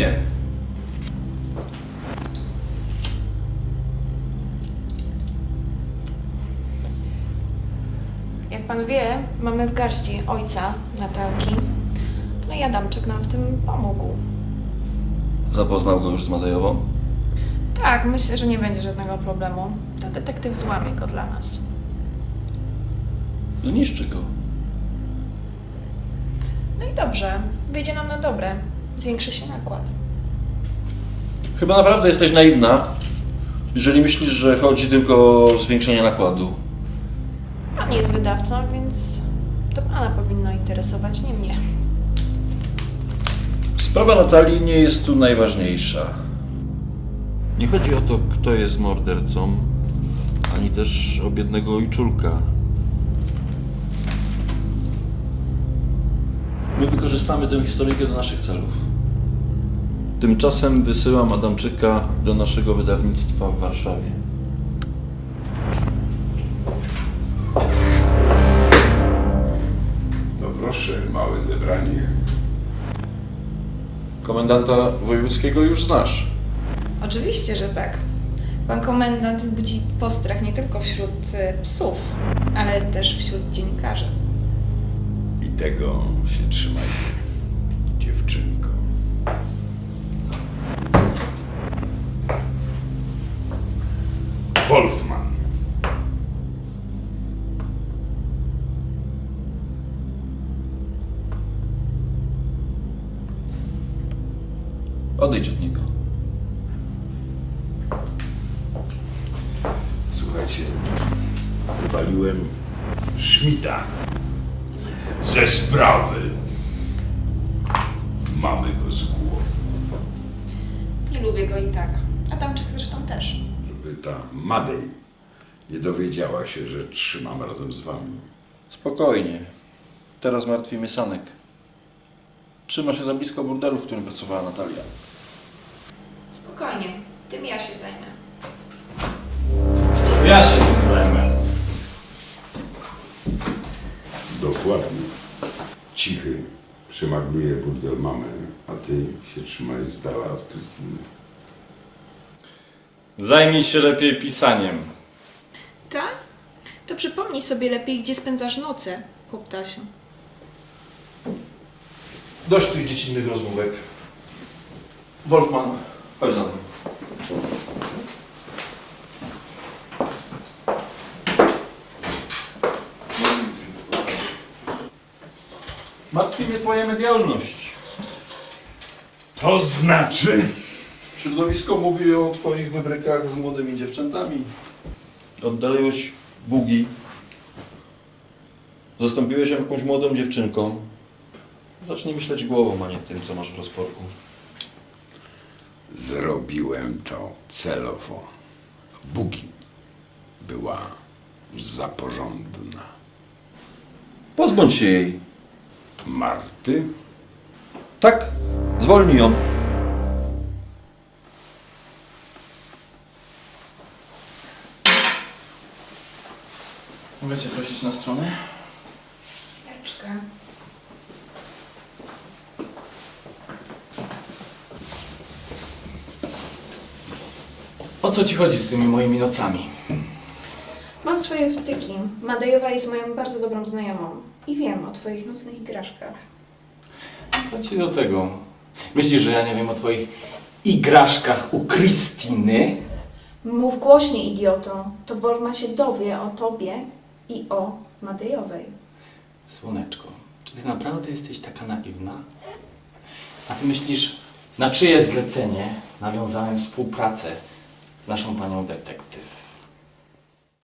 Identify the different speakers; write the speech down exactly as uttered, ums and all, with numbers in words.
Speaker 1: nie.
Speaker 2: Jak pan wie, mamy w garści ojca Natalki. No i Adamczyk nam w tym pomógł.
Speaker 1: Zapoznał go już z Madejową?
Speaker 2: Tak, myślę, że nie będzie żadnego problemu. To detektyw złamie go dla nas.
Speaker 1: Zniszczy go.
Speaker 2: No i dobrze, wyjdzie nam na dobre. Zwiększy się nakład.
Speaker 1: Chyba naprawdę jesteś naiwna, jeżeli myślisz, że chodzi tylko o zwiększenie nakładu.
Speaker 2: Pan jest wydawcą, więc to pana powinno interesować, nie mnie.
Speaker 1: Sprawa Natalii nie jest tu najważniejsza. Nie chodzi o to, kto jest mordercą, ani też o biednego ojczulka. My wykorzystamy tę historyjkę do naszych celów. Tymczasem wysyłam Adamczyka do naszego wydawnictwa w Warszawie.
Speaker 3: No proszę, małe zebranie.
Speaker 1: Komendanta wojewódzkiego już znasz.
Speaker 2: Oczywiście, że tak. Pan komendant budzi postrach nie tylko wśród y, psów, ale też wśród dziennikarzy.
Speaker 3: I tego się trzymajcie, dziewczynko. Wolfman.
Speaker 1: Odejdź od niego.
Speaker 3: Słuchajcie, wywaliłem Schmidta ze sprawy. Mamy go z głowy.
Speaker 2: Nie lubię go i tak. Adamczyk zresztą też.
Speaker 3: Żeby ta Madej nie dowiedziała się, że trzymam razem z wami.
Speaker 1: Spokojnie. Teraz martwi mnie Sanek. Trzyma się za blisko burdelu, w którym pracowała Natalia.
Speaker 2: Spokojnie, tym ja się zajmę.
Speaker 4: Ja się tym zajmę.
Speaker 3: Dokładnie. Cichy przemagluje burdel mamy, a ty się trzymaj z dala od Krystyny.
Speaker 4: Zajmij się lepiej pisaniem.
Speaker 2: Tak? To przypomnij sobie lepiej, gdzie spędzasz noce, chłoptasiu.
Speaker 1: Dość tych dziecinnych rozmówek. Wolfman, chodź za mną. Martwi mnie twoja medialność.
Speaker 3: To znaczy?
Speaker 1: Środowisko mówi o twoich wybrykach z młodymi dziewczętami. Oddaliłeś bugi. Zastąpiłeś ją jakąś młodą dziewczynką. Zacznij myśleć głową, a nie tym, co masz w rozporku.
Speaker 3: Zrobiłem to celowo. Bugi była za porządna.
Speaker 1: Pozbądź się jej.
Speaker 3: Marty?
Speaker 1: Tak? Zwolnij ją.
Speaker 4: Mogę cię prosić na stronę?
Speaker 2: Chwileczkę.
Speaker 4: O co ci chodzi z tymi moimi nocami?
Speaker 2: Mam swoje wtyki. Madejowa jest moją bardzo dobrą znajomą. I wiem o twoich nocnych igraszkach.
Speaker 4: Co ci do tego? Myślisz, że ja nie wiem o twoich igraszkach u Krystyny?
Speaker 2: Mów głośniej, idioto. To Wolfman się dowie o tobie i o Madejowej.
Speaker 4: Słoneczko, czy ty naprawdę jesteś taka naiwna? A ty myślisz, na czyje zlecenie nawiązałem współpracę z naszą panią detektyw?